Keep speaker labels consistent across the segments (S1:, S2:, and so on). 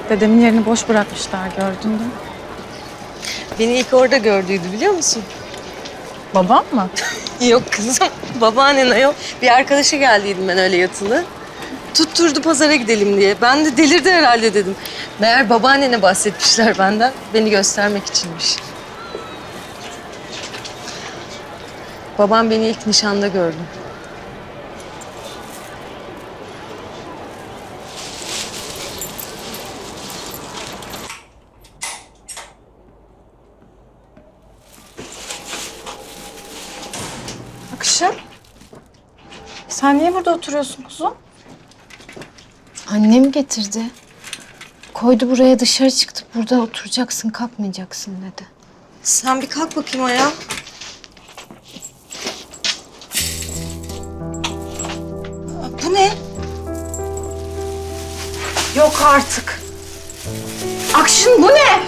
S1: Dedemin yerini boş bırakmışlar, gördün mü?
S2: Beni ilk orada gördüydü biliyor musun?
S1: Babam mı?
S2: Yok kızım. Babaannen ayol. Bir arkadaşa geldiydim ben öyle yatılı. Tutturdu pazara gidelim diye. Ben de delirdi herhalde dedim. Meğer babaannene bahsetmişler benden. Beni göstermek içinmiş. Babam beni ilk nişanda gördü.
S1: Akışım. Sen niye burada oturuyorsun kuzum?
S3: Annem getirdi. Koydu buraya, dışarı çıktı. Burada oturacaksın, kalkmayacaksın dedi.
S2: Sen bir kalk bakayım ayağa. Bu ne?
S1: Yok artık. Akşın bu ne?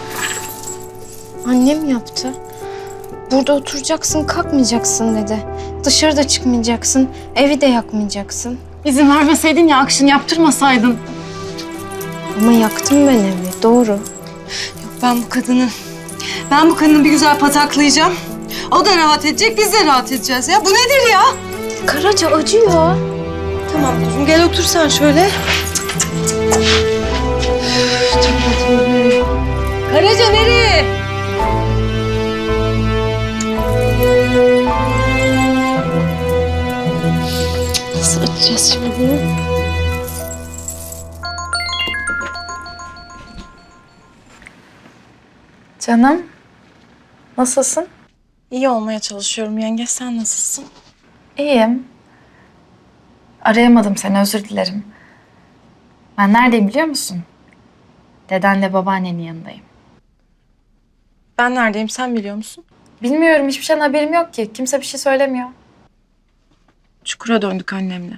S3: Annem yaptı. Burada oturacaksın, kalkmayacaksın dedi. Dışarıda çıkmayacaksın, evi de yakmayacaksın.
S1: İzin vermeseydin ya, Akşın yaptırmasaydın.
S3: Ama yaktım ben evi, doğru.
S2: Yok ben bu kadını bir güzel pataklayacağım. O da rahat edecek, biz de rahat edeceğiz ya. Bu nedir ya?
S3: Karaca acıyor.
S2: Tamam kuzum gel otur sen şöyle. Karaca nereye? Nasıl açacağız şimdi bunu?
S1: Canım, nasılsın? İyi olmaya çalışıyorum yenge, sen nasılsın? İyiyim. Arayamadım seni, özür dilerim. Ben neredeyim biliyor musun? Dedenle babaannenin yanındayım. Ben neredeyim, sen biliyor musun? Bilmiyorum, hiçbir şeyden haberim yok ki. Kimse bir şey söylemiyor. Çukura döndük annemle.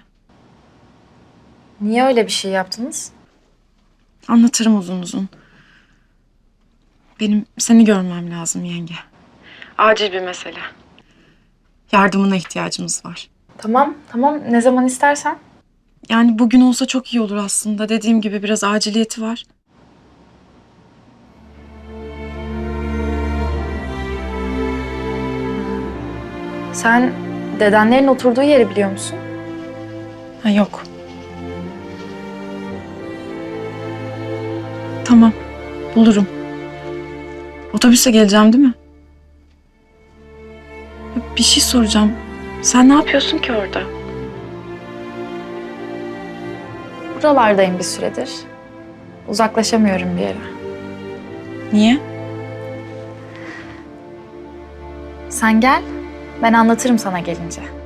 S1: Niye öyle bir şey yaptınız? Anlatırım uzun uzun. Benim seni görmem lazım yenge. Acil bir mesele. Yardımına ihtiyacımız var. Tamam. Ne zaman istersen. Yani bugün olsa çok iyi olur aslında. Dediğim gibi biraz aciliyeti var. Sen dedenlerin oturduğu yeri biliyor musun? Ha, yok. Tamam, bulurum. Otobüse geleceğim değil mi? Bir şey soracağım. Sen ne yapıyorsun ki orada? Buralardayım bir süredir. Uzaklaşamıyorum bir yere. Niye? Sen gel, ben anlatırım sana gelince.